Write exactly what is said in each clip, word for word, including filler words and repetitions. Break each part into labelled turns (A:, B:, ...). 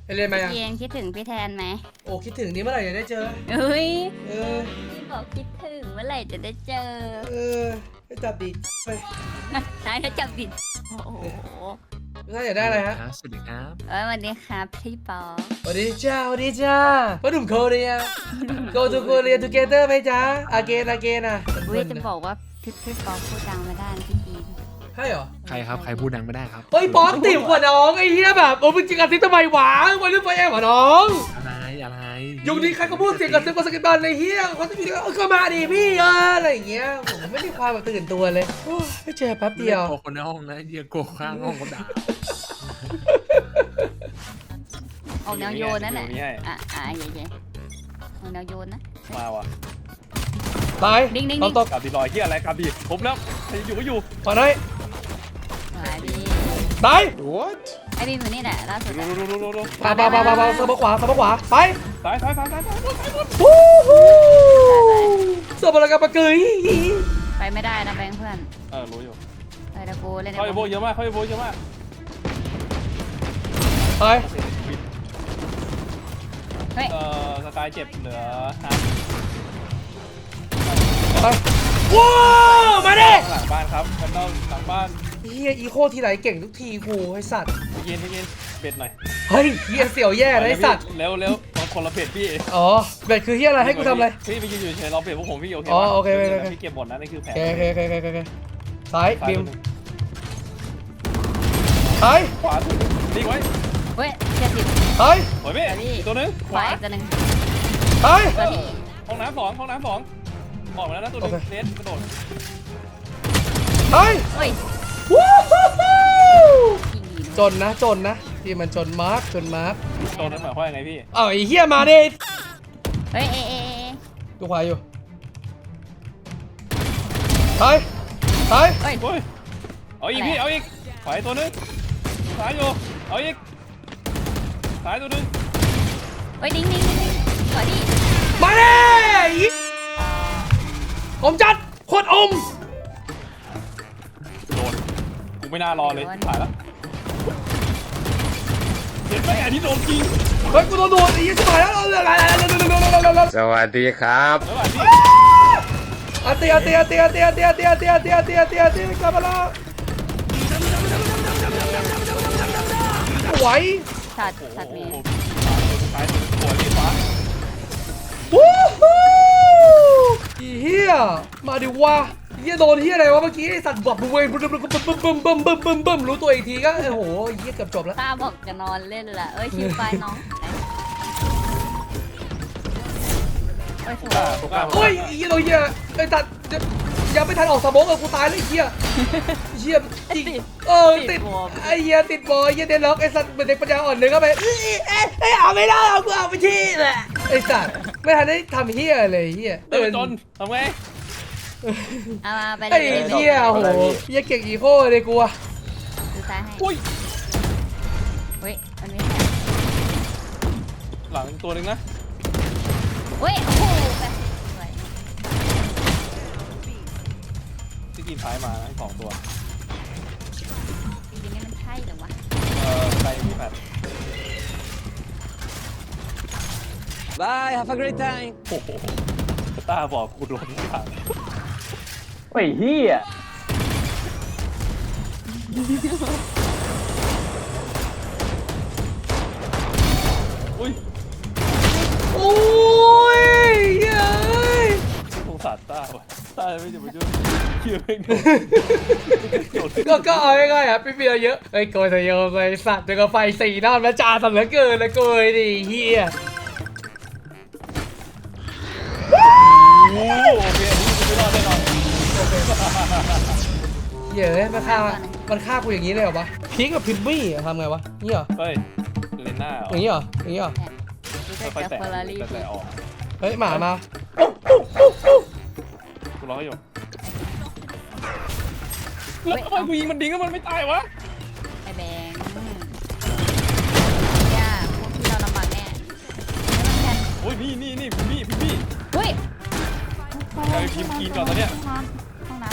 A: ไปเรียนไหมอ่ะ
B: เย็นคิดถึงพี่แทนไหม
A: โอ้คิดถึงนี่เมื่อไหร่จะได้เจอ
B: เฮ้ย
A: เออ
B: พี่บอกคิดถึงเมื่อไหร่จะได้เจอ
A: เออไปจับดีไป
B: ใช่ถ้าจับผิดโอ้โห
A: ถ้าอยากได้อะไรฮะ
C: สวัสดีครับ
B: เอ้ยวันนี้ครับพี่ปอ
A: สวัสดีจ้าสวัสดีจ้าพ่อหนุ่มโคเรีย go to Korea together ไหมจ๊ะ again again อ่ะ
B: เว้ยจะบอกว่าพี่พี่ปอพูดดังไม่ได้พี่จีน
A: ใช่เหรอ
C: ใครครับใครพูดดังไม่ได้ครับ
A: เฮ้ยป๊อกติ่มกว่าน้องไอ้เหี้ยแบบโอ้มึงจริงกันซิทำไมวะวันนี้ไฟแอบกว่าน้อง
C: อะไรอะไร
A: ยุคนี้ใครก็พูดเสียงกับเสียงกับสกิปบอลในเฮียเขาจะมีก็มาดิพี่เอออะไรอย่างเงี้ยผมไม่มีความแบบตื่นตัวเลยโอ้ไม่เจอแป๊บเดียว
C: โกคนในห้องนะเดียโกข้างห้องก็ด่า
B: ออกแนวโยนนั่นแหละอ่ะอ่ะเย่ๆออกแนวโยนนะ
D: มาว่ะ
A: ตาย
B: ดิ้งดิ้ง
A: ตก
D: กับดีลอยเฮียอะไรกับดีผมแล้วใครอยู่ก็อยู่
A: ขอหน่อย
B: มาดิ
A: ตาย
D: what
B: ไอ้บีมอยู่นี่แหละล่าสุด
D: ดูดูดูดูดู
A: ปาปาปาปาปาเสมอขวาเสมอขวาไป
D: ซ้ายซ้ายซ้ายซ้ายซ้าย
A: วู้ฮู้เสมอแล้วกับปะเกย
B: ไปไม่ได้นะแบงค์เพื่อน
D: เออรู้อยู่
B: ไปตะโกเล่น
D: เขาโบเยอะมากเขาโบเยอะมาก
A: ไป
B: เฮ้ย
D: เออสกายเจ็บเหลือฮา
A: ไปว้าวมาดิ
D: หลังบ้านครับกันนอกหลังบ้าน
A: เฮียอีโคทีไรเก่งทุกทีกูไอสัตว์
D: เย็นเย็นเบ็ดหน่อย
A: เฮ้ยเฮียเสี่ยวแย่นะไอสัตว์
D: เร็วเร็วบางคนละเบ็ดพี่
A: อ๋อเบ็ดคือเฮียอะไรให้กูทำอะไร
D: พี่ไปยืนอยู่เฉยเราเบ็ดพวกผมพี่โอเค
A: อ๋อโอเคโอเค
D: พี่เก็บหมดนะนี่คือแผน
A: โอเคโอเคโอเคโอเคซ้ายบิมซ้าย
D: ขวาถูกดีไว้
B: เฮ้ยเจ็บผิด
A: ซ้าย
D: โอ้ยพี่ตัวนึง
B: ขวาอีกตัวนึง
A: ซ้าย
D: ห้องน้ำสองห้องน้ำสองบอกมาแล้วนะตัวนึงเน็ตกระโดด
A: ซ้าย
B: เฮ้ย
A: วู้ฮู้จนนะจนนะที่มันจนมาร์กจนมาร์ก
D: จนนั่นหมายความว่าไงพี่
A: อ้าวไอ้เหี้ยมาดิ
B: เฮ้ยเอเอ
A: ดูขวาอยู่ซ้ายซ้าย
D: เฮ้ยเอาอีกพี่เอาอีกขวาตัวนึงซ้ายอยู่เอาอีกซ้ายตัวนึง
B: เฮ้ยดิ้งดิ้งดิ้งดิ้งขวาดิ
A: มาดิอมจัดโคตรอม
D: โดนกูไม่น่ารอเลยถ่ายแล้วเห็นไหมอันนี้โดนจริง
A: เฮ้ยกูโดนโดนไอ้ยี่สิบแล้ว
C: สวัสดีครับ
A: อาเตียเตียเตียเตียเตียเตียเตียเตียเตียเตียเตียกลับมาแล้วไหว
B: สัตว์สัตว์มี
D: ซ้ายสวยพี่ฟ้า
A: วู้ฮู้เฮียมาดิวะเฮียโดนเฮียอะไรวะเมื่อกี้ไอสัตว์แบบเว้ยบึ้มบึ้มบึ้มบึ้มบึ้มบึ้มบึ้มบึ้มบึ้มรู้ตัวอีกทีก็โอ้โหเฮียเกือบจบแล้ว
B: ตาบอกจะนอนเล่นละเอ้ยชิวไปน้อง
D: โอ้
A: ยเฮียโดนเฮียไอสัตว์ยังไม่ทันออกสมองเออกูตายเลยเฮียเฮียจริงเออติดไอเฮียติดบอลเฮียเดนล็อกไอสัตว์เป็นเด็กปัญญาอ่อนเลยก็ไปเอ้ยเอ้ยเอาไม่ได้เอากูเอาไปที่แหละไอสัตว์ไม่ทันได้ทำเฮียเลยเฮีย
D: เดินจนทำไง
B: เอามาไป
A: ไอ้เหี้ยโหเหี้ยเก่งอีโคเลยกูอะ
B: ดูซ้ายให้
D: อุ้ย
B: เฮ้ยอันนี้
D: หลังตัวนึงนะ
B: เฮ้ยโอ้โหแบบสวย
D: ที่กินท้ายมาสองตัว
B: จริงๆนี่มันใช่เหรอวะ
D: เออใครมีแพท
E: Bye have a great time
D: โอ้โหตาบอกกูโดนทุกอย่าง
E: ไอ้เหี้ย
D: อุ้ย
A: โอ้ยเย้ย
D: สงสารตาว่ะตาไม่จะมาช่วยเชื่อไม่
A: ก็ก็เอาง่ายๆอ่ะพี่เบียร์เยอะไอ้โกยแต่เยอะไปสัตว์เจอไฟสี่น้ำแล้วจ่าสัตว์เหลือเกินเลยโกยดิเฮีย
D: โอ้โอเคอันนี้ไม่รอดแน่นอน
A: เยอะมันฆ่ามันฆ่ากูอย่างนี้เลยเหรอวะพีกกับพิมมี่ทำไงวะนี่เหรอ
D: เฮ้ยเลนหน้า
A: อย่างนี้เหรออย่างนี้เหรอ
D: ค่อยๆแตะแตะออก
A: เฮ้ยหมามา
D: กูรออยู่แล้วทำไมกูยิงมันดิ้งก็มันไม่ตายวะ
B: ไอ้แบงค์ย่าพวกที่เราลำบากแน่
D: โอ้ยนี่นี่นี่พี่พี่พี่
B: เฮ้ย
D: ไอ้พิมกินก่อนตอนเนี้ย
B: ห้องน้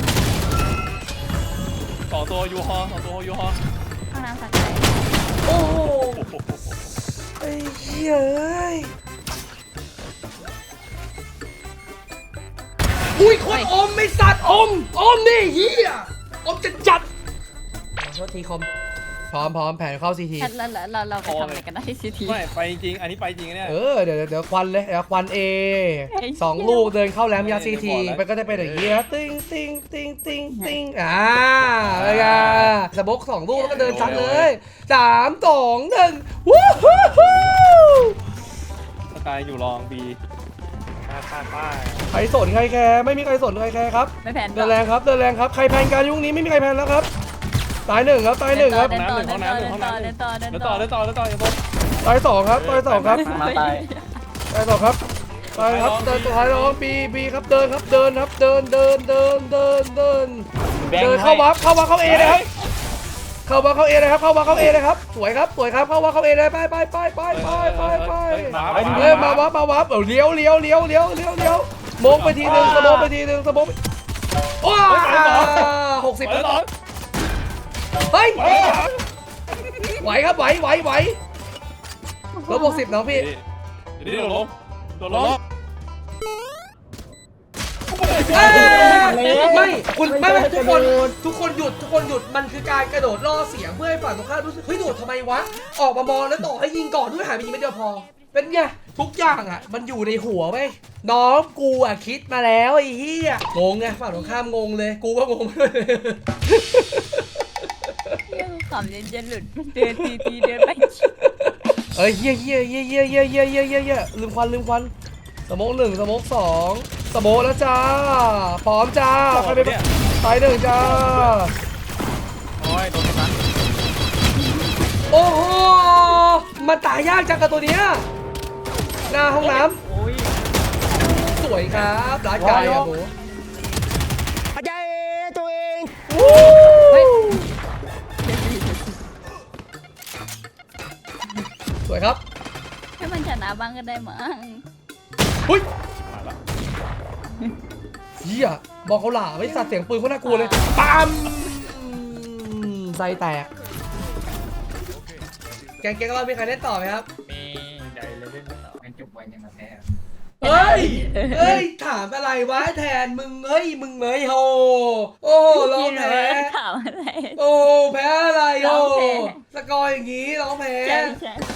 D: ำสองตัวยูฮอสองตัวยูฮอ
B: ห้องน้ำสักใจ
A: โอ้โหไอ้เหี้ยเอ้ยอุ้ยคนอมไม่สัตว์อมอมนี่เหี้ยอมจะจัดขอโทษทีคอมพร้อมพร้อมแผนเข้าซีที
B: แล้วเราเราเราไปทำอะไรกันได้ที่ซีที
D: ไม่ไปจริงอันนี้ไปจริงเนี่ย
A: เออเดี๋ยวเดี๋ยวควันเลยเดี๋ยวควันเอ
B: ไอ้เหี้ย
A: สองลูกเดินเข้าแรมยาซีที
D: ไม่ได้บอกแล้ว
A: มันก็จะเป็นอย่างเงี้ยติ้งติ้งติ้งติ้งติ้งอ่าอะไรไงสะบกสองลูกแล้วก็เดินซัดเลยสามสองหนึ่งวู้ฮู้ฮู้
D: สกายอยู่รองบีข้าข้าป้า
A: ใครสนใครแคร์ไม่มีใครสนใครแคร์ครับ
B: ไม่แผน
A: เดินแรงครับเดินแรงครับใครแพนการยุคนี้ไม่มีใครแพนแล้วครับตายหนึ่งครับตายหนึ่งครับ
B: เดินต่อเดินต่อเดินต่อเดินต่อเดิน
D: แล้ว
B: ต่
D: ต่
B: อ
D: อแล้วต่อแล้วต่ออย่าบน
A: ตายสองครับตายสองครับ
E: มาตาย
A: ตายสองครับตายครับเดินตัวท้ายร้องบีบีครับเดินครับเดินครับเดินเดินเดินเดินเดินเดินเข้าวับเข้าวับเข้าเอเลยครับเข้าวับเข้าเอเลยครับเข้าวับเข้าเอเลยครับสวยครับสวยครับเข้าวับเข้าเอเลยไปไปไปไปไปไปไปเฮ้ยมาวับมาวับเออเลี้ยวเลี้ยวเลี้ยวเลี้ยวเลี้ยวเลี้ยวมงไปทีหนึ่งสมองไปทีหนึ่งสมองว้าหกสิบ
D: แล้วต่อ
A: เฮ้ยไหวครับไหวไหวไหวลบบวกสิบน้องพี่
D: เดี๋ยวนี้โดนล้มโดนล้ม
A: เอ้ยไม่คุณไม่ไม่ทุกคนทุกคนหยุดทุกคนหยุดมันคือการกระโดดล่อเสียงเพื่อให้ฝั่งตรงข้ามรู้สึกเฮ้ยโดดทำไมวะออกมามองแล้วต่อให้ยิงก่อนด้วยหายไปยิงไม่เดียวพอ เป็นไงทุกอย่างอ่ะมันอยู่ในหัวไหมน้องกูอ่ะคิดมาแล้วไอ้เหี้ยงงไงฝั่งตรงข้ามงงเลยกูก็งงด้วย
B: เรื่องขำเย็นเย็นหลุดเดินทีทีเดินไป
A: เอ้ยเหี้ยเหี้ยเหี้ยเหี้ยเหี้ยเหี้ยเหี้ยเหี้ยเหี้ยลืมควันลืมควันสโมกหนึ่งสโมกสองสโมกแล้วจ้าพร้อมจ้าใครเป็นตายหนึ่งจ้า
D: โอ้ยโดนกัน
A: โอ้โหมันตายยากจังกับตัวเนี้ยหน้าห้องน้
D: โอ้ย
A: ำสวยครับร้านไก่อะหมู
E: อาจารย์ตัวเอง
A: สวยครับ
B: ให้มันชนะบ้างก็ได้มั้ง
A: หุ้ย
D: มาละ
A: เหี้ยบอกเขาหล่าไม่สัตว์เสียงปืนเขาน่ากลัวเลยปั๊มไส้แตกแกงแกงเรามีใครเล่นต่อไหมครับ
C: มีใหญ่เลยเล่นต่อเป็นจุกไว้ยังมาแพ้
A: เฮ้ย เฮ้ย ถามอะไรวะแทนมึง เฮ้ย มึงเมยโฮโอ้ร้องแพ้
B: ถามอะไร
A: โอ้แพ้อะไร
B: ร้
A: โอ้
B: องแพ้
A: สกอร์อย่างงี้ร้องแพ้
B: ใช่ใช่